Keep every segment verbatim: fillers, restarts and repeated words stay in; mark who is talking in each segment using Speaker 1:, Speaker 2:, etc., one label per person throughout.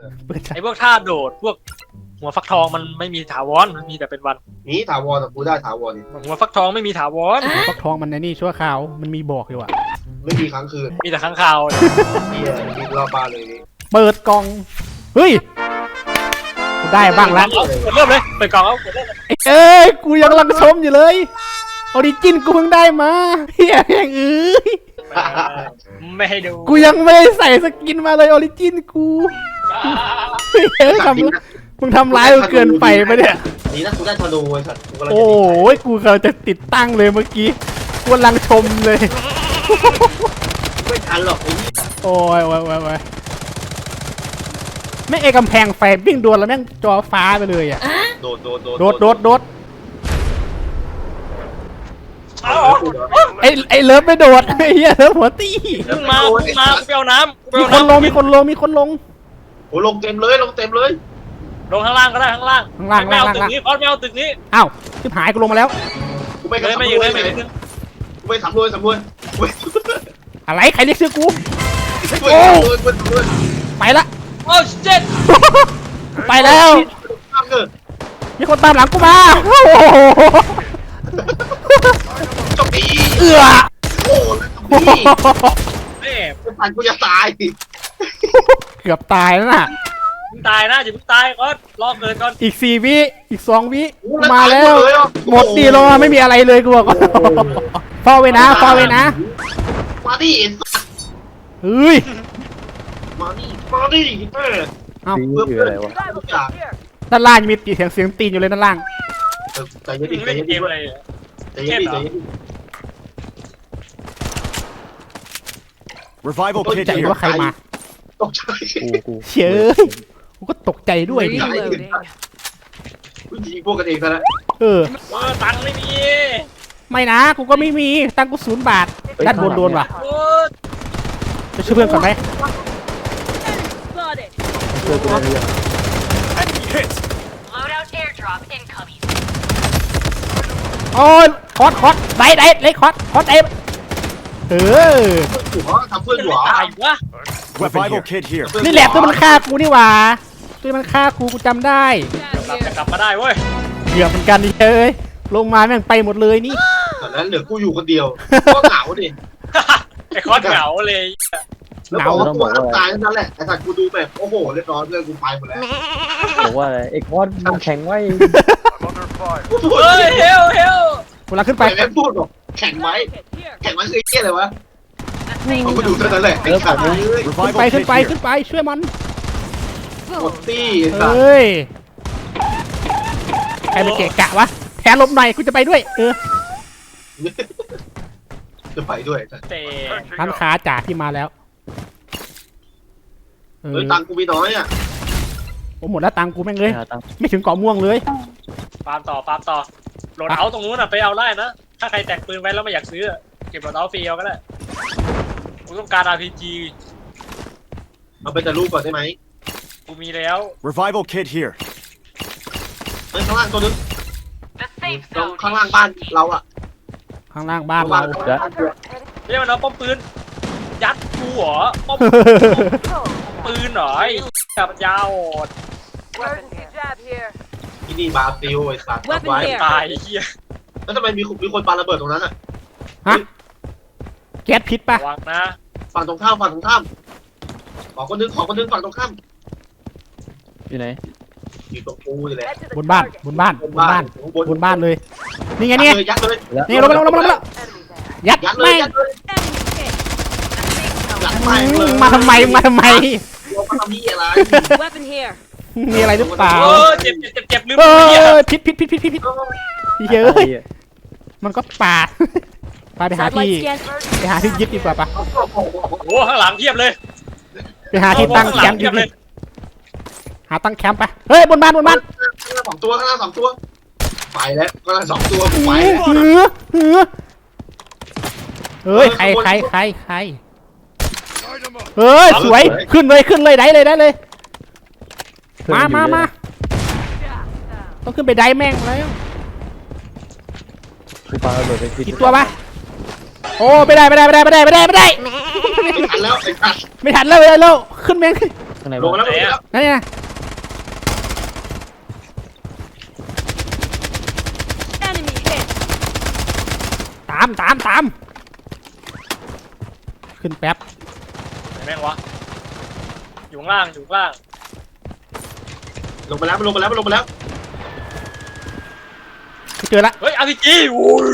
Speaker 1: ไอ้พวกท่าโดดพวกหัวฟักทองมันไม่มีถาวรมันมีแต่เป็นวัน
Speaker 2: นี่ถาวรแต่กูได้ถาวรนี่
Speaker 1: หัวฟักทองไม่มีถาวร
Speaker 3: ฟักทองมันในนี่ชั่วคราวมันมีบอกอยู่อะ
Speaker 2: ไม่มีครั้งคืน
Speaker 1: มีแต่ข้างคาว
Speaker 2: เฮียบินรอบบ้านเลยนี่
Speaker 3: เปิดกล่องเฮ้ยกูได้บ้างละ
Speaker 1: เอากดเริ่มเลยเปิดกล่องเอากดเริ่มเลย
Speaker 3: เอ้ยกูยังกำลังชมอยู่เลยออริจินกูเพิ่งได้มาเฮียแม่งเอ้ย
Speaker 1: ไม่ให้ดู
Speaker 3: กูยังไม่ได้ใส่สกินมาเลยออริจินกูเฮ้ยทำมึงทำร้ายกูเกินไปปะเนี่ย
Speaker 2: นี่นะกูได้ธนูไอ้สัตว์กูกำลังจะ
Speaker 3: โอ้ยกูกำลังจะติดตั้งเลยเมื่อกี้กูกำลังชมเลย
Speaker 2: ไม่ทันหรอกไอ้นี่
Speaker 3: โอ้ยโอ้ยโอ้ยโอ้ยแม่งเอกกำแพงไฟวิ่งโดนแล้วแม่งจอฟ้าไปเลยอ่ะ
Speaker 2: โดดโดดโดด
Speaker 3: โดดโดดโดด
Speaker 1: เอา
Speaker 3: ไอไอเลิฟไม่โดดไอ้เหี้ยเลิฟหัวตี้
Speaker 1: ขึ้นมาขึ้นมากูไปเอาน้ำกูไป
Speaker 3: มี
Speaker 1: เอา
Speaker 3: คนลง
Speaker 1: น้ำ
Speaker 3: มีคนลงมีคนลง
Speaker 2: โอ้ลงเต็มเลยลงเต็มเลย
Speaker 1: ลงข้างล่างก็ได้ข้างล่าง
Speaker 3: ข้างล่าง
Speaker 1: ไม่เอา
Speaker 3: ล่าง
Speaker 1: ตึก
Speaker 3: ล่าง
Speaker 1: นี้พอดไม่เอาตึกนี้
Speaker 3: อ้าวชิบหายกูลงมาแล้ว
Speaker 2: กูไม่
Speaker 1: เลย
Speaker 2: สำ
Speaker 1: ไม่
Speaker 2: ร
Speaker 1: อยู่
Speaker 2: ว
Speaker 1: เล
Speaker 2: จ
Speaker 1: ยไม่
Speaker 2: เล
Speaker 1: อย ยู่
Speaker 2: กูไม่สำรวจสำรวจกูไม่
Speaker 3: อะไรใครเรียกชื่อกู
Speaker 2: สำรวจกูไม่สำรวจ
Speaker 3: ไปละ
Speaker 1: โอ้เจ็ด
Speaker 3: ไปแล้ว
Speaker 2: ข้ามเกิด
Speaker 3: มีคนตามหลังกูมาโอ้โห
Speaker 2: จบปี
Speaker 3: เอือ
Speaker 2: โอ้จบปี
Speaker 1: แม่
Speaker 2: กูผ่านกูจะตาย
Speaker 3: เกือบตายแล้วน่ะ
Speaker 1: มึงตายนะอย่าเพิ่งตายก่อนรอเกิดก่อน
Speaker 3: อีกสี่วิอีกสองวิ
Speaker 2: กู
Speaker 3: มาแล้ว หมดดีลงมาไม่มีอะไรเลยกูบอกฟอไว้นะฟอไว้นะ
Speaker 2: มาดิ
Speaker 3: เฮ้ย
Speaker 2: มาดิมาดิเออ
Speaker 3: เอ้า
Speaker 2: เพื่อเพื่อนทุกอย่าง
Speaker 3: ด้านล่างยังมีเสียงเสียงตีนอยู่เลยด้านล่าง
Speaker 2: ใจเย็นดิใจ
Speaker 1: ไม่
Speaker 2: เย็น
Speaker 1: เก
Speaker 2: ดิ
Speaker 1: มอะไร
Speaker 2: ใจเย็นดิใจเย็นดิ
Speaker 4: Revival
Speaker 3: ตก
Speaker 4: kit
Speaker 3: ใจ
Speaker 4: here.
Speaker 3: ว่าใครมา
Speaker 2: ตกใจ
Speaker 4: กูกู
Speaker 3: เฉยกูก็ตกใจด้วยดิ
Speaker 2: ผู้หญิงพวกกันเองซะแล้ว
Speaker 3: เออ
Speaker 1: เออตังค์ไม่มี
Speaker 3: ไม่นะกูก็ไม่มีตังค์กูศูนย์บาทด้านบนโดนว่ะ
Speaker 1: โอ้
Speaker 3: จะช่วยเพื่อนก่อนไหม
Speaker 5: Spotted.
Speaker 4: เจอกูในเรื่อง Hit.
Speaker 5: Loadout airdrop incoming.
Speaker 3: โอ้ยคอสคอสได้ได้เลยคอสคอสเอ็มเออ
Speaker 2: หัวทำเพื่อน
Speaker 1: จะ
Speaker 2: หั
Speaker 1: ไม่
Speaker 2: ว
Speaker 1: ตายวะ
Speaker 4: Revival kit here.
Speaker 3: นี่แหละตัวมันฆ่ากูนี่หว่าตัวมันฆ่ากูกูจำได้
Speaker 1: กลับจะกลับมาได้เว้ย
Speaker 3: เกือบเหมือนกันดิเอ้ยลงมาแม่งไปหมดเลยนี่
Speaker 2: ตอนนั้นเหลือกูอยู่คนเดียวก็เหงาดิ
Speaker 1: ไอ้คอสเหงาเลย
Speaker 2: แล้วบอกว่าตัวน้ำตายนั่นแหละไอ้สัตว์กูดูแบบโอ้โหเรียบร้อยเพื่อนกูไปหมดแล้ว
Speaker 6: บอกว่าอะไรไอ้คอสมันแข็งไว้
Speaker 1: เฮ้ยเฮลเฮล
Speaker 3: กูลังขึ้น
Speaker 2: ไป
Speaker 3: ไป
Speaker 2: แม่พูดบอกแข่งไว้
Speaker 5: Here.
Speaker 2: แข่งไว้คือไอ้เหี้ยอะไรวะ
Speaker 5: The
Speaker 2: เขา
Speaker 5: safe
Speaker 2: ก็ดู
Speaker 5: zone.
Speaker 2: เท่านั้นแหละไอ้สัตว์เอ้ย
Speaker 3: ขึ้น
Speaker 4: Revival
Speaker 3: ไปขึ้น
Speaker 4: kit
Speaker 3: ไป
Speaker 4: here.
Speaker 3: ขึ้นไปช่วยมัน
Speaker 2: หมดตี้ไอ้สัตว์
Speaker 3: เฮ้ยใครไปเกะกะวะแทนลมหน่อยกูจะไปด้วยเออ
Speaker 2: จะไปด้วย
Speaker 1: เตะ
Speaker 3: ร้านค้าจ่าที่มาแล้วเออ
Speaker 2: เฮ้ยตังค์กูมีน้อยอ่ะ
Speaker 3: โอ้หมดแล้วตังค์กูแม่งเลย
Speaker 6: หาตังค์
Speaker 3: ไม่ถึงเกาะม่วงเลย
Speaker 1: ปาล์มต่อปาล์มต่อโหลดเอาตรงนู้นอ่ะไปเอาได้นะถ้าใครแตกปืนไว้แล้วไม่อยากซื้อเก็บโหลดเอาฟรีเอาก็ได้กูต้องการ อาร์ พี จี
Speaker 2: เอาไปแต่รูปก่อนได้ไหม
Speaker 1: กูมีแล้ว
Speaker 4: Revival kit here.
Speaker 2: เฮ้ยข้างล่างตัวนึง
Speaker 5: The safe
Speaker 2: ตรง
Speaker 5: zone.
Speaker 2: ข้างล่างบ้านเราอ่ะ
Speaker 3: ข้างล่างบ้าน
Speaker 2: บ้า
Speaker 3: เรา
Speaker 2: นเรา
Speaker 1: เรียกมันเอาป้อมปืนยัดกูเหรอป้อมปืนเหรอไอ้กับยาว
Speaker 5: Emergency jab here.
Speaker 2: ที่นี่บาซิลไอ้สัตว์ไว้
Speaker 1: ตายไอ้เหี้ย
Speaker 2: แล้วทำไมมีมีคนปาระเบิดตรงนั้นอ่ะ
Speaker 3: ฮะแก๊สพิษปะ
Speaker 1: ระวังนะ
Speaker 2: ฝั่งตรงข้ามฝั่งตรงข้ามขอคนนึงขอคนนึงฝั่งตรงข้าม
Speaker 6: อยู่ไหน
Speaker 2: อยู่ตรงกูนี่แหละ
Speaker 5: Head to the
Speaker 3: บนบ้าน
Speaker 5: target.
Speaker 3: บนบ้านบนบ้าน
Speaker 2: บน
Speaker 3: บนบ้านเลย นี่ไง
Speaker 2: ยัด
Speaker 3: เนี่ย
Speaker 2: เลยยัดเลย
Speaker 3: นี่ลงมาลงมาลงมาลงมา
Speaker 5: Enemy there.
Speaker 3: ยัด
Speaker 2: ยัดเล
Speaker 3: แม่
Speaker 2: ย
Speaker 3: ง
Speaker 2: ยัดเลย
Speaker 5: Enemy hit. The safe
Speaker 2: ยัด
Speaker 5: zone.
Speaker 2: ไปเลย
Speaker 3: มาทำไมมาทำไม
Speaker 2: เรามาทำนี่อะไร
Speaker 5: Weapon here.
Speaker 3: มีอะไรหรือเปล่า
Speaker 1: เออเจ็บเจ็บเจ็บเจ็บลืม
Speaker 3: เอ
Speaker 1: ไปเนี่ย
Speaker 3: อพิษพิษพิษพิษพิษพิษเยอะมันก็ปาดปาไปหาที่
Speaker 5: Satellite scan.
Speaker 3: ไปหาที่ยึดดีกว่าปะ
Speaker 1: โอ้ข้างหลังเทียบเลย
Speaker 3: ไปหาที่ตั้ง
Speaker 1: ข้างห
Speaker 3: แค
Speaker 1: ลั
Speaker 3: มป์
Speaker 1: เที
Speaker 3: ดี
Speaker 1: ยบเลย
Speaker 3: ๆหาตั้งแคมป์ไปเฮ้ยบนบ้านบนบ้าน
Speaker 2: ข้างล่างสองตัวข้างล่างสองตัวไปแล้วข้างล่างสองตัวไป
Speaker 3: เฮ้ย
Speaker 2: แล้ว
Speaker 3: เฮ้ยเฮ้ยใครใครใครใครเฮ้ยสวยขึ้นเลยขึ้นเลยได้เลยได้เลย มามามาต้องขึ้นไปได้แม่งแล้ว
Speaker 6: กูปาระเบิดไป
Speaker 3: กี่ตัวปะโอ้ไม่ได้ไม่ได้ไม่ได้ไม่ได้ไม่ได้ไม่ได้
Speaker 2: ไม่ทันแล้วไอ้สัตว์
Speaker 3: ไม่ทันแล้วไม่ได้แล้วขึ้นแม่ง
Speaker 6: ข้างใน
Speaker 2: ลงมา
Speaker 6: บ้าน
Speaker 2: แล้วลงมาแล้ว
Speaker 3: นั่นไง
Speaker 5: Enemy hit.
Speaker 3: ตามตามตามขึ้นแป๊บ
Speaker 1: ไหนแม่งวะอยู่ข้างล่างอยู่ข้างล่าง
Speaker 2: ลงไปแล้วมันลงไปแล้วมันลงไปแล้ว
Speaker 3: ไม่เจอละ
Speaker 1: เฮ้ยอาร์พีจีโอ้ย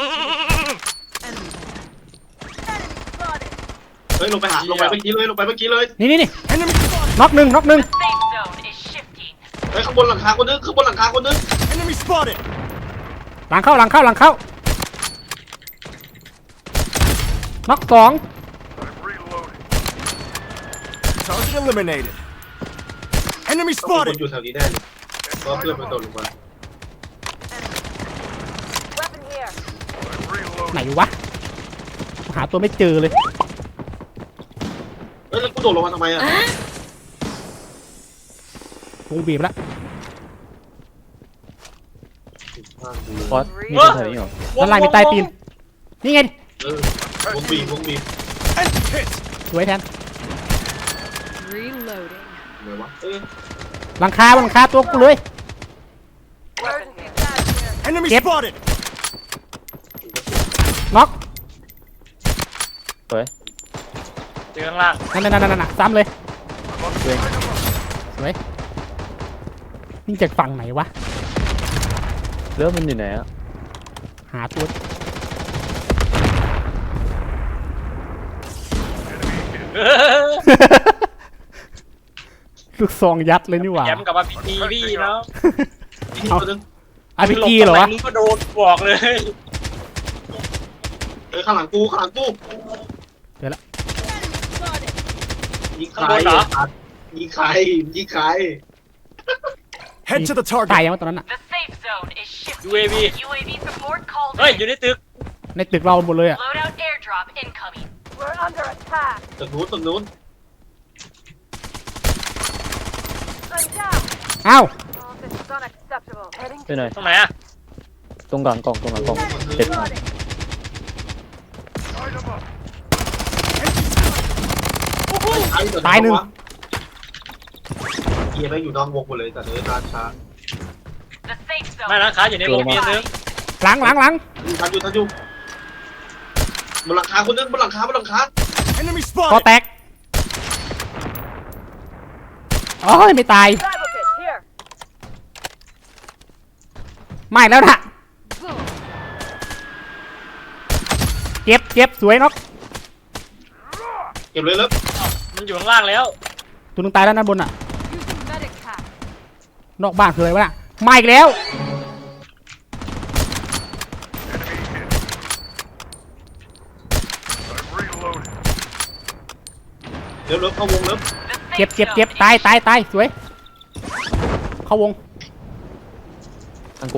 Speaker 2: เฮ้ยลงไปหาลงไปเมื่อกี้เลยลงไปเมื่อกี้เลย
Speaker 3: นี่นี่นี่
Speaker 4: Enemy spotted!
Speaker 3: น็อกหนึ่งน็อกหนึ่ง
Speaker 5: The safe zone is shifting.
Speaker 2: เฮ้ยข้างบนหลังคาคนนึงข้างบนหลังคาคนนึง
Speaker 4: Enemy spotted!
Speaker 3: หลังเข้าหลังเข้าหลังเข้าน็อกสอง
Speaker 4: Target eliminated. Enemy
Speaker 2: ต้องมีคน
Speaker 4: spotted!
Speaker 2: อยู่แถวนี้แน่เลยเพราะเพื่อนมันตกลงมา
Speaker 5: Weapon here.
Speaker 3: ไหนวะหาตัวไม่เจอเลย
Speaker 2: เฮ้ยแล้วกูตกลงมาทำไมอ่ะ
Speaker 3: วงบีบแล้ว
Speaker 6: ฟอสมีคนแถวนี้เหรอ
Speaker 3: ด้านล่างมีใต้ตีนนี่ไง
Speaker 2: เออวงบีบวงบีบ
Speaker 4: And hit!
Speaker 3: สวยแทน
Speaker 5: Reloading.
Speaker 2: ไหนวะเออ
Speaker 3: หลังคาบนหลังคาตัวกูเลย
Speaker 5: Emergency jab here.
Speaker 4: Enemy
Speaker 3: Yep.
Speaker 4: spotted!
Speaker 3: น็อก
Speaker 1: เจอข้างล่าง
Speaker 3: นั่นนั่นนั่นนั่นซ้ำเลย
Speaker 6: เว้ย
Speaker 3: สวยนี่จากฝั่งไหนวะ
Speaker 6: เรื่องมันอยู่ไหนอะ
Speaker 3: หาตัว ลูกซองยัดเลยนี่หว่า
Speaker 1: แย้มกับอาร์พีจีพี่เนาะ
Speaker 2: อีกคนนึง
Speaker 3: อาร์พีจีเหรอวะ
Speaker 1: มึงก็โดนบอกเลย
Speaker 2: เออข้างหลังกูข้างหลังกูยิงใครยิงใครยิงใคร
Speaker 4: Head to the
Speaker 3: ตาย
Speaker 4: target!
Speaker 3: ยังวะตอนนั้นอะ
Speaker 5: The safe zone is shifting.
Speaker 1: ยูเอวี
Speaker 5: U A V support called
Speaker 1: เฮ้ย
Speaker 5: in.
Speaker 1: อยู่ในตึก
Speaker 3: ในตึกเราหมดเลยอะ
Speaker 5: Loadout airdrop incoming. We're under attack.
Speaker 2: ตึกนู้นตึกนู้น
Speaker 5: I'm down.
Speaker 3: อ้าว
Speaker 5: Oh, this is unacceptable. Heading
Speaker 6: ไปหน่อย
Speaker 1: ตรงไหนอะ
Speaker 6: ตรงกลางกล่องตรงกลางกล่องเด็ด
Speaker 5: Reloading.
Speaker 2: ไอ้เดี๋ว
Speaker 3: ตายหนึ่ง
Speaker 2: เกียร์แม่งอยู่นอกวงหมดเลยแต่เดินนานช้า
Speaker 5: The safe zone.
Speaker 1: ไม่นะค้าอยู่ในวงเมียนึง
Speaker 3: หลังหลังหลัง
Speaker 2: ทันอยู่ทันอยู่บนหลังคาคนนึงบนหลังคาบนหลังคา
Speaker 4: Enemy
Speaker 3: คอ
Speaker 4: spotted!
Speaker 3: แตกโอ้ยไม่ตาย
Speaker 5: Survival kit here.
Speaker 3: ไม่แล้วนะเจ็บเจ็บสวยน็อก
Speaker 2: เก็บเลยแล้ว
Speaker 1: มันอยู่ข้างล่างแล้ว
Speaker 3: ตัวนึงตายแล้วนะบนอะ
Speaker 5: Using medic pack.
Speaker 3: นอกบ้านคืออะไรวะน่ะมาอีกแล้ว
Speaker 2: เร็วเร็วเข้าวงเร็ว
Speaker 5: The
Speaker 3: เจ็บ
Speaker 5: safe
Speaker 3: เจ็บ
Speaker 5: zone
Speaker 3: เจ็บ
Speaker 5: is
Speaker 3: ตายตายตายสวย เข้าวง
Speaker 6: ทางกู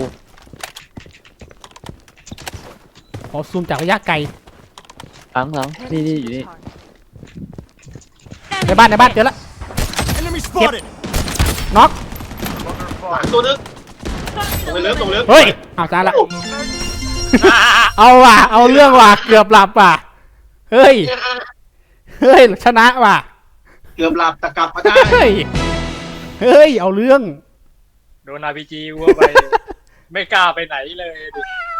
Speaker 3: ขอซูมจากระยะไกล
Speaker 6: หลังหลังนี่นี่อยู่นี่
Speaker 3: ในบ้านในบ้านเจอละ
Speaker 4: Enemy spotted!
Speaker 3: น็อก
Speaker 2: หลังตัวนึงตรงไปเร็วตรงไปเร็ว
Speaker 3: เฮ้ยเอาจานละ เอาว่ะ เอาเรื่องว่ะ เกือบหลับว่ะ เฮ้ย เฮ้ย ชนะว่ะ
Speaker 2: เกือบหลับแต่กลับมาได้
Speaker 3: เฮ้ย เฮ้ย เอาเรื่อง
Speaker 1: โดนอาร์พีจีวัวไป ไม่กล้าไปไหนเลยดิ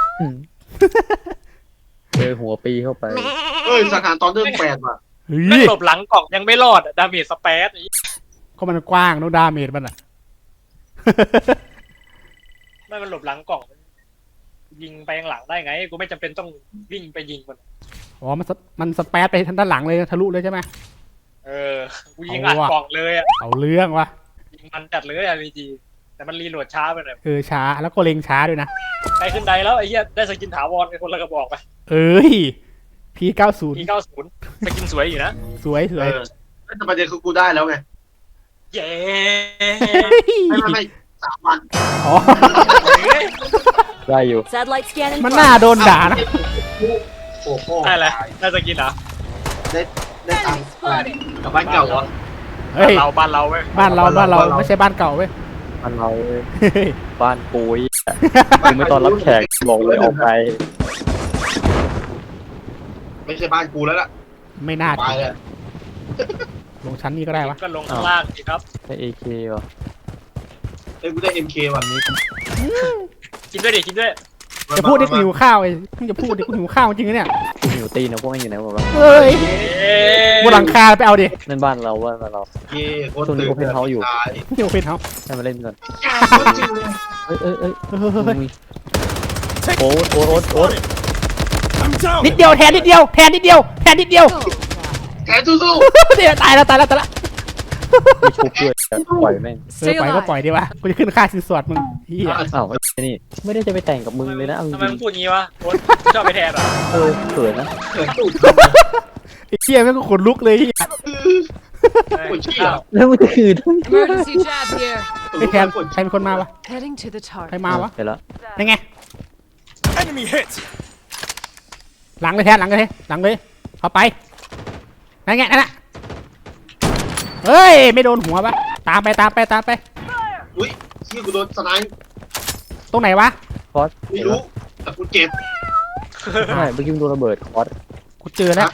Speaker 6: เจอหัวปีเข้าไป
Speaker 2: เฮ้ยสถานตอนเรื่องแปดว่ะ
Speaker 3: เฮ้
Speaker 1: แม่ง
Speaker 3: ย
Speaker 1: หลบหลังกล่องยังไม่รอดอะดาเมจสเปซอีก
Speaker 3: ก็มันกว้างน้องดาเมจมันอ่ะ
Speaker 1: ไม่มันหลบหลังกล่อง ยิงไปข้างหลังได้ไง กูไม่จำเป็นต้องวิ่งไปยิงมัน
Speaker 3: อ๋อ มันสมันสเปซไปทางด้านหลังเลยทะลุเลยใช่ไหม
Speaker 1: เออ กูยิงอัดกล่องเลยอะ
Speaker 3: เอาเรื่องว่ะ
Speaker 1: ยิงมันจัดเลยอาร์พีจีแต่มันรีโหลดช้าไปหน่อย
Speaker 3: เออช้า แล้วก็เล็งช้าด้วยนะ
Speaker 1: ใกล้ขึ้นไดแล้วไอ้เหี้ยได้สกินถาวรไปคนละกระบอกไป
Speaker 3: เอ้ย พีเก้าสิบ
Speaker 1: ทีเก้าศูนย์สกินสวยอยู่นะ
Speaker 3: สวยส
Speaker 2: เอ
Speaker 3: วย
Speaker 2: อแต่ประเด็นคือกูได้แล้วไง
Speaker 1: เย้
Speaker 2: ไม่ไม่ไม่สามวัน
Speaker 3: อ๋อ
Speaker 6: ได้อยู่
Speaker 5: Satellite scanning.
Speaker 3: มันน่าโดนด่านะ
Speaker 2: โอ้โห
Speaker 1: ได้เลยได้สกินเหรอ
Speaker 2: ได้ได้ตังค์อะไรกับบ้านเก่าอ่ะ
Speaker 3: เฮ้ย
Speaker 1: เราบ้านเราเว้ย
Speaker 3: บ้านเรา
Speaker 2: บ้า
Speaker 3: บ้าน น
Speaker 2: เรา
Speaker 3: เรา
Speaker 2: บ้านเรา
Speaker 3: ไม่ใช่บ้านเก่าเว้ย
Speaker 6: บ้านเราเว้ย
Speaker 3: เฮ้ย
Speaker 6: บ้านปุยมึงไม่ตอนรับแขกบอกเลยออกไป
Speaker 2: ไม่ใช่บ้านกูแล้วล่ะ
Speaker 3: ไม่น่า
Speaker 2: ไปเลย
Speaker 3: ลงชั้นนี้ก็ได้วะ
Speaker 1: ก็ลงข้างล่างสิครับ
Speaker 6: ได้เอเควะ
Speaker 2: เอ้ยกูได้เอ็มเคว่ะ
Speaker 1: กินด้วยดิกินด้วย
Speaker 3: จะพูดดิกูหิวข้าวไอ้มึงจะพูดดิกูหิวข้าวจริงๆนะเนี่ย
Speaker 6: กูหิวตีนนะพวกนี้อยู่ไหนหมดวะ
Speaker 3: เฮ้ย
Speaker 1: เอ๊ะ
Speaker 3: บนหลังคาไปเอาดิ
Speaker 6: นั่นบ้านเราว่าบ้านเรา
Speaker 2: เย่โคตร
Speaker 6: ช่วงนี้
Speaker 2: ตื่น
Speaker 6: Open House อยู่
Speaker 2: ตาย
Speaker 3: เดี๋ยวเป็นเขา
Speaker 6: ให้มาเล่นก่อน
Speaker 2: โคตรจริงเลย
Speaker 6: เอ้ยเอ้ยเอ้ย
Speaker 3: เฮ้ยเฮ้ยเฮ้ย
Speaker 6: มึงมีโอ๊ตโอ๊ตโอ๊ตโอ๊ต
Speaker 4: I'm down.
Speaker 3: นิดเดียวแทนนิดเดียวแทนนิดเดียวแทนนิดเดียว
Speaker 2: แขนสู้
Speaker 3: เดี๋ยวตายแล้วตายแล้วตายแล้ว
Speaker 6: ไม่ชุบด้วยปล่อยแม่ง
Speaker 3: เออปล่อยก็ปล่อยดีวะกูจะขึ้นค่าสินสอดมึงเฮีย
Speaker 6: อ้าวไอ้นี่ไม่ได้จะไปแต่งกับมึงเลยนะเอาจ
Speaker 1: ทำไม
Speaker 6: ริ
Speaker 1: มึ
Speaker 6: ง
Speaker 1: งพูดงี้วะโอ๊ตชอบไปแทนเหรอ
Speaker 6: ๆเออเขินนะ
Speaker 2: ๆแขนสู้
Speaker 3: ไอ้เฮียแม่งก็ขนลุกเลยเฮีย
Speaker 2: ปวดขี้
Speaker 1: อ้า
Speaker 2: อ่ะ
Speaker 1: ว
Speaker 6: แล้วมันจะขืน
Speaker 5: Emergency jab here.
Speaker 3: ไอ้แทนใครเป็นคนมาวะ
Speaker 5: Heading to the
Speaker 3: ใคร
Speaker 5: target.
Speaker 3: มาวะ
Speaker 6: เห็นแล้ว
Speaker 3: ยังไง
Speaker 4: Enemy hit.
Speaker 3: หลังเลยแทนหลังเลยหลังเลยเข้าไปนั่นไงนั่นน่ะเฮ้ยไม่โดนหัวปะตามไปตามไปตามไป
Speaker 2: อุ้ยขี้กูโดนสไนป์
Speaker 3: ตรงไหนวะ
Speaker 6: คอส
Speaker 2: ไม่รู้แต่กูเจ็บ
Speaker 6: ใช่เมื่อกี้มึงโดนระเบิดคอส
Speaker 3: กูเจอแล้ว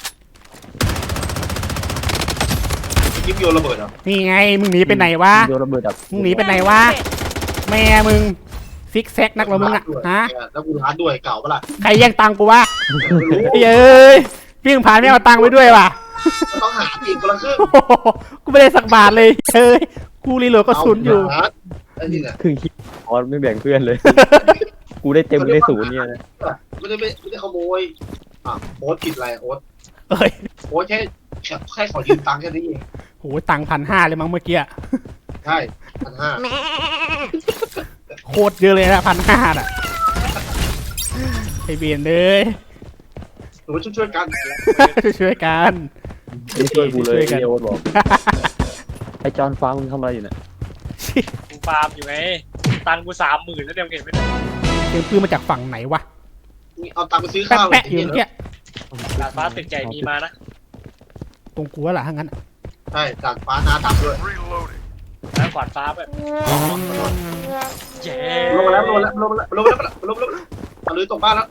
Speaker 2: ยิงโยนระเบิดเหรอ
Speaker 3: นี่ไงมึงหนีไปไหนวะ
Speaker 6: มึงโดนระเบิดแบบ
Speaker 3: มึงหนีไปไหนวะแม่มึงซิกแซกนักเหรอมึงอะฮะ
Speaker 2: แล้วกูร้านด้วยเก่าปะล่ะ
Speaker 3: ใครแย่งตังค์กูวะ
Speaker 2: ไม่รู้
Speaker 3: เอ้ยพี่ผ่านไม่เอาตังค์ไปด้วยว่ะ
Speaker 2: ต้องหาอีกคนละครึ่ง
Speaker 3: โอ้โหกูไม่ได้สักบาทเลยเฮ้ยกูรีโหลดกระสุนอยู่
Speaker 2: ไอ้นี่แหละ
Speaker 6: คือคิดคอสไม่แบ่งเพื่อนเลย กูได้เต็มได้ศูนย์เนี่ยนะ
Speaker 2: ไม่ได้ไม่ไม่ได้ขโมยอ่ะโอ๊ตผิดอะไรโอ๊ต
Speaker 3: เอ้ย
Speaker 2: โอ๊ตแค่แค่แค่ขอยืมตังค์แค่นี้เอง
Speaker 3: โหตังพันห้าเลยมั้งเมื่อกี้อะ
Speaker 2: ใช่พันห้า
Speaker 3: โคตรเยอะเลยนะพันห้าอ่ะไอเบียนเลย
Speaker 2: หนูช่วยช่วยกัน
Speaker 3: ช่วยกัน
Speaker 6: ไม่ช่วยกูเลย
Speaker 3: ช่วยกัน
Speaker 6: ไอ้โอ๊ตบอกไอ้จอนฟ้ามึงทำอะไรอยู่เนี่ย
Speaker 1: กูฟาร์มอยู่ไงตังค์กูสามหมื่นแล้วเดี๋ยวเห็นไหมเนี่ย
Speaker 3: เสียงปืนมาจากฝั่งไหนวะ
Speaker 2: นี่เอาตังค์ไปซื้อ
Speaker 3: แปะ
Speaker 2: ข้าว
Speaker 3: แปะอยู่เมื่อกี้
Speaker 1: ดาดฟ้าตึกใหญ่มีมานะ
Speaker 3: ตรงกูว่าล่ะถ้างั้น
Speaker 2: ใช่ตัดฟ้าหน้าตับด้วย
Speaker 1: แล้วขวานฟ้าแบบเย้
Speaker 2: ลงมาแล้วลงมาแล้วลงมาแล้วลงมาแล้วลงมาแล้วตะลือตกบ้านแล้ว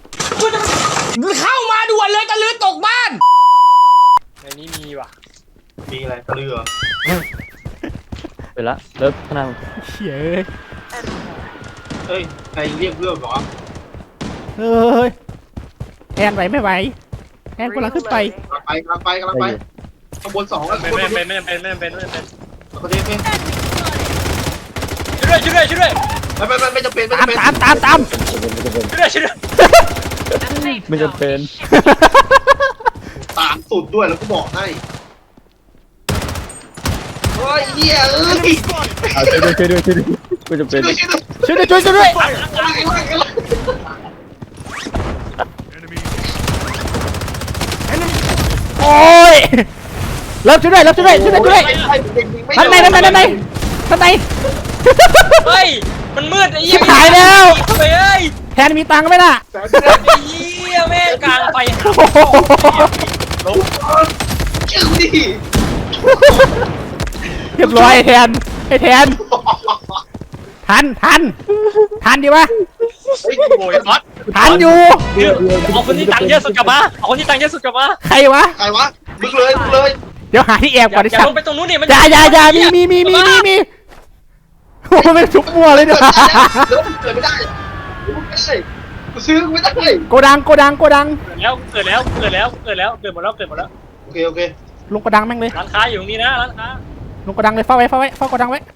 Speaker 1: ในนี้มีว่ะ
Speaker 2: มีอะไรตะลือเหรอ
Speaker 6: ไปละเลิกขางหนาด
Speaker 3: เฉย
Speaker 2: เฮ้ยใครเรียกเพื่อนเหรอ
Speaker 3: เฮ้ยแอนไหวไม่ไหวแอนกำลังขึ้นไป
Speaker 2: กำลังไปกำลังไปกำลังไปข้างบนสองแล้ว
Speaker 1: ไม่
Speaker 2: ข้างบน
Speaker 1: ไม่ไม่ไม่เป็นไม่เป็นไม่เป็น
Speaker 2: ประเทศเป็น
Speaker 1: ช่วยด้วยช่วยด้วยช่วยด้วย
Speaker 2: ไม่ไม่ไม่ไม่จำเป็นไม่
Speaker 3: ตาม
Speaker 2: จำเป็น
Speaker 3: ตามตามตาม
Speaker 1: ช่วยด้วยช่วยด้วย
Speaker 5: The safe
Speaker 6: ไม่
Speaker 5: zone
Speaker 6: จำเป็น
Speaker 5: is shifting.
Speaker 2: ตามสุดด้วยแล้วกูบอกให้โอ้ยเหี้ยเอ้ย
Speaker 4: Enemy spotted.
Speaker 6: เอาช่วยด้วยช่วยด้วยช่วยด้วยไม่จำเป็น
Speaker 2: ช่วยด้วย
Speaker 3: ช่วยด้วยช่วยด้วยช่วยด้วย
Speaker 4: Enemy.
Speaker 3: โอ้ยเริ่มช่วยด้วยเริ่มช่วยด้วยช่วยด้วยช่วยด้วยท่านในท่านในท่านในท่านใน
Speaker 1: เฮ้ยมันมืดไอ้
Speaker 3: ชิบหายแล้ว
Speaker 1: เฮ้ย
Speaker 3: แทนมีตังค์ไหมน่ะ
Speaker 1: ไอ้เหี้ยแม่งกลางไฟ
Speaker 3: โอ้โห
Speaker 1: ลง
Speaker 2: เจ้าดิ
Speaker 3: เรียบร้อยไอ้แทนไอ้แทนทันทันทันดีวะ
Speaker 2: เฮ้ย
Speaker 1: โวยน็อต
Speaker 3: ทันอยู่
Speaker 1: เอาคนที่ตังค์เยอะสุดกลับมาเอาคนที่ตังค์เยอะสุดกลับมา
Speaker 3: ใครวะ
Speaker 2: ใครวะมึงเลยมึงเลย
Speaker 3: เดี๋ยวหาที่แอบ
Speaker 1: อ
Speaker 3: ก่อน
Speaker 1: ย่า
Speaker 3: ดิ
Speaker 1: อย่า
Speaker 3: ฉัน
Speaker 1: ลงไปตรงนู้นนี่มัน
Speaker 3: อย่าอย่าอย่ามีมีมีมีมีมีโอ้โหเป็นชุบมัวเลยเนี่ย
Speaker 2: เดินเกิดไม่ได้ไม่ได้กูซื้อกูไม่ได้
Speaker 3: โกดังโกดังโกดัง
Speaker 1: เกิดแล้วเกิดแล้วเกิดแล้วเกิดแล้วเกิดหมดแล้วเกิดหมดแล้ว
Speaker 2: โอเคโอเค
Speaker 3: ลงโกดังแม่งเลย
Speaker 1: ร้านค้าอยู่ตรงนี้นะร้านค้า
Speaker 3: ลงโกดังเลยเฝ้าไว้เฝ้าไว้เฝ้าโกดังไว้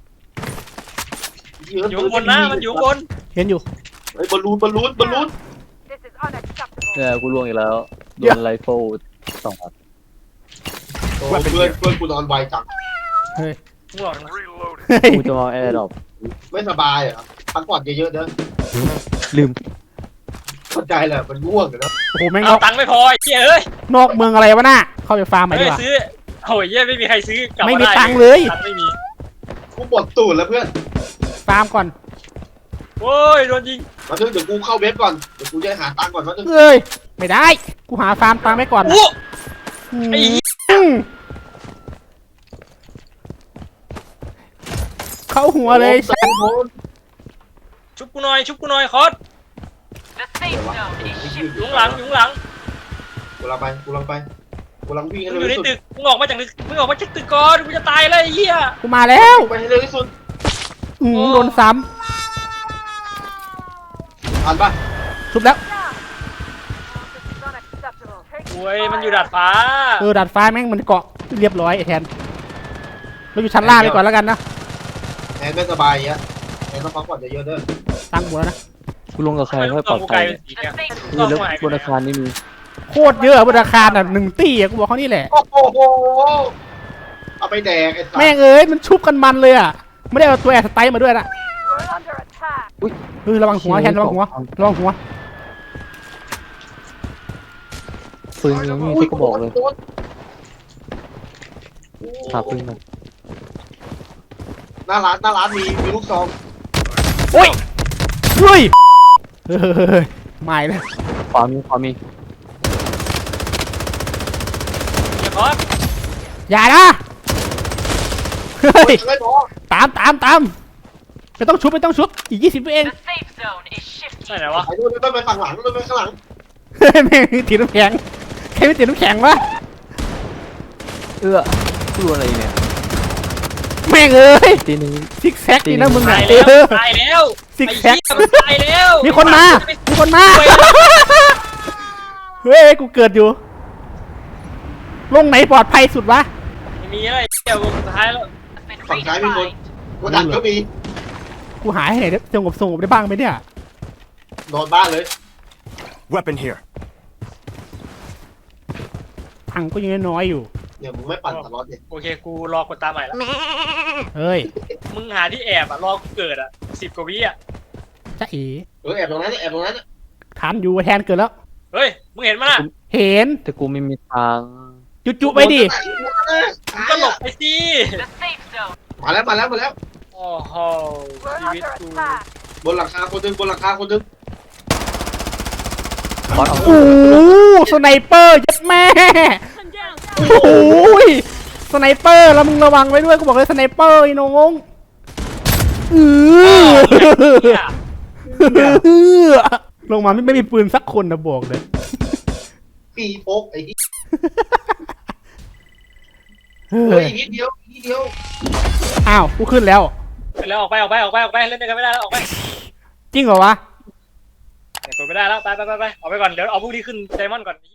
Speaker 1: อยู่ข้างบนนะมันอยู่ข้างบน
Speaker 3: เห็นอยู่
Speaker 2: ไอ้บอลลูนบอลลูนบอลลูน
Speaker 5: This is unacceptable.
Speaker 6: เนี่ยกูล่วงอีกแล้วโดนไลโฟสองนัด
Speaker 2: เพื่อนเพื่อนกูนอนไวจัง
Speaker 3: เฮ้ย
Speaker 1: ง่วงนะ
Speaker 3: เฮ้ย
Speaker 6: กูจะมาแอร์ดรอป
Speaker 2: ไม่สบายเหรอพักผ่อนเยอะๆเด้อ
Speaker 6: ลืม
Speaker 2: เข้าใจแหละมันง่วงนะ
Speaker 3: โอ้โหแม่งน
Speaker 1: เอา
Speaker 3: อก
Speaker 1: ตังค์ไม่พอไอ้เหี้ยเอ้ย
Speaker 3: นอกเมืองอะไรวะน่ะเข้าไปฟาร์มมาดี
Speaker 1: ไม่
Speaker 3: กว่า
Speaker 1: ซื้อโอ้ยเหี้ยไม่มีใครซื้อกลับ
Speaker 3: ไม่
Speaker 1: มา
Speaker 3: มี
Speaker 1: ได้
Speaker 3: ตังค์เลย
Speaker 1: ตังค์ไม่มี
Speaker 2: กูปวดตูดแล้วเพื่อน
Speaker 3: ฟาร์มก่อน
Speaker 1: โอ้ยโดนยิง
Speaker 2: มาถึงเดี๋ยวกูเข้าเว็บก่อนเดี๋ยวกูจะหาตังค์ก่อนมาถึง
Speaker 3: เอ้ยไม่ได้กูหาฟาร์มตังค์ไว้ก่อน
Speaker 1: โอ้
Speaker 3: อืม
Speaker 1: ไอ้เหี้ย
Speaker 3: อืมเข้าหัวเลย
Speaker 2: โอ้โห
Speaker 1: ชุบกูหน่อยชุบกูหน่อยคอส
Speaker 5: The safe zone is
Speaker 1: อยู่
Speaker 5: shifting.
Speaker 1: ข้างหลังอยู่ข้างหลัง
Speaker 2: กูลังไปกูลังไปกูกำลังวิ่งให้
Speaker 1: มึง
Speaker 2: เร็
Speaker 1: อ
Speaker 2: ว
Speaker 1: ยู่ใน
Speaker 2: ที่สุด
Speaker 1: ตึกมึงออกมาจากตึกมึงออกมาจากตึกก่อนกูจะตายเลยไอ้เหี้ย
Speaker 3: กูมาแล้ว
Speaker 2: ไปให้เร็วที่สุด
Speaker 3: อืมโดนซ้
Speaker 2: อ่านปะ
Speaker 3: ำชุบแล้ว
Speaker 5: This is unacceptable. Take
Speaker 1: โอ้ยมันอยู่ดาดฟ้า
Speaker 3: เออดัดฟ้าแม่งมันเกาะเรียบร้อยไอ้แทนเราอยู่ชั้นล่างไปก่อนแล้วกันนะ
Speaker 2: แอนไม่สบายอย่างเงี้ยแอนต้องพักผ่อนเยอะๆเด้อ
Speaker 3: ตั้งหมดแล้วนะ
Speaker 6: กูลงกับใคร
Speaker 1: ทำไม
Speaker 6: ให้
Speaker 1: ลูก
Speaker 6: ป
Speaker 1: ก
Speaker 6: ล
Speaker 1: อ
Speaker 6: อง ด
Speaker 1: กู
Speaker 6: ภั
Speaker 1: กลาย
Speaker 6: ย
Speaker 1: เป็นสีเนี่ย
Speaker 6: นี่
Speaker 1: ลูก
Speaker 6: แล้ว
Speaker 1: หาย
Speaker 6: บนอาคารนี่มี
Speaker 3: โคตรเยอะบนอาคารอ่ะหนึ่งตี้อ่ะกูบอกเขานี่แหละ
Speaker 2: โอ้โหเอาไปแดกไอ้สัส
Speaker 3: แม่งเอ้ยมันชุบกันมันเลยอ่ะไม่ได้เอาตัวแอร์สไตล์มาด้วยนะ
Speaker 5: We're under attack.
Speaker 3: เออระวังหัวแทนระวังหัวระวังหัว
Speaker 6: ปืนยังไมมีที่กูบอกเลยหาปืนหน่อย
Speaker 2: หน้าร้านหน้าร้านมีมีลูกซอง
Speaker 3: โอ้ยเฮ้ยเฮ้ยไม่เลย
Speaker 6: ขวามีขวามี
Speaker 1: เดี๋ยวก่อน
Speaker 3: อย่านะเฮ้ย
Speaker 2: ไม่พอ
Speaker 3: ตามตามตามไม่ต้องชุบไม่ต้องชุบอีกยี่สิบวิเอง
Speaker 5: The safe zone is shifting.
Speaker 1: ใช่ไหนวะ
Speaker 2: ไอ้นู่นไม่ไปฝั่งหลังนู่นไปข้างหลัง
Speaker 3: เฮ้ยแม่งถือน้ำแข็งใครไม่ถือน้ำแข็งวะ
Speaker 6: เอื้อกูอะไรเนี่ย
Speaker 3: แม่งเอ้ย
Speaker 6: ตีหนึง
Speaker 3: ซิกแซกนี่นะมึง
Speaker 1: ตา
Speaker 3: อ่ะ
Speaker 1: ยแล้ว
Speaker 3: เออ
Speaker 1: ตายแล้ว
Speaker 3: ซิก
Speaker 1: ไอ้
Speaker 3: แซก
Speaker 1: เหี้ยมันตายแล้ว
Speaker 3: มีคนมา มีคนมา เฮ้ย กูเกิดอยู่ ลงไหนปลอดภัยสุดวะ
Speaker 1: ไม่มีอะไรเดี๋ยวสุดท้ายแล้ว
Speaker 5: Been
Speaker 2: ฝั่งซ้ายมีคน
Speaker 5: redefined.
Speaker 2: กูดักก็มี
Speaker 3: กูหายให้ไหนได้สงบสงบได้บ้างไหมเนี่ย
Speaker 2: นอนบ้านเลย
Speaker 4: Weapon here.
Speaker 3: ตังค์ก็ยังน้อยอยู่
Speaker 2: เนี่ยมึงไม่ปั่นตลอดเนี่ย
Speaker 1: โอเคกูรอกดตามใหม่ละ
Speaker 3: เฮ้ย
Speaker 1: มึงหาที่แอบอ่ะรอกูเกิดอ่ะสิบกว่าวิอ่ะ
Speaker 3: จ้าเอ๋
Speaker 2: เออแอบตรงนั้นแอบตรงนั้น
Speaker 3: ทันอยู่แทนเกิดแล้ว
Speaker 1: เฮ้ยมึงเห็นมั้ยน่ะ
Speaker 3: เห็น
Speaker 6: แต่กูไม่มีทาง
Speaker 3: จุจุไปดิ
Speaker 1: มึงก็หลบไปสิ
Speaker 5: The safe zone.
Speaker 2: มาแล้วมาแล้วมาแล้ว
Speaker 1: โอ้โห
Speaker 5: We're
Speaker 1: ชีวิต
Speaker 5: under
Speaker 1: กู
Speaker 5: attack.
Speaker 2: บนหลังคาคนหนึงบนหลังคาคนหนึง
Speaker 6: บอสเอา
Speaker 3: โอ้โหสไนเปอร์ยัดแม่ โอ้โหยสไนเปอร์แล้วมึงระวังไว้ด้วย กูบอกเลยสไนเปอร์ไอ้น้องอือ ลงมาไม่ไม่มีปืนสักคนนะบอกเลย
Speaker 2: ปีโพกไอ้ที่
Speaker 3: เฮ้
Speaker 2: เฮ้ย
Speaker 3: ย
Speaker 2: อีกนิดเดียวอีกนิดเดียว
Speaker 3: อ้าว กูขึ้นแล้ว
Speaker 1: ไปแล้วออกไปออกไปออกไปออกไปเล่นด้วยกันไม่ได้แล้วออกไป
Speaker 3: จริงเหรอวะ
Speaker 1: เนี่ยกดไม่ได้แล้วไปไปไปไปออกไปก่อนเดี๋ยวเอาพวกนี้ขึ้นไดมอนด์ก่อน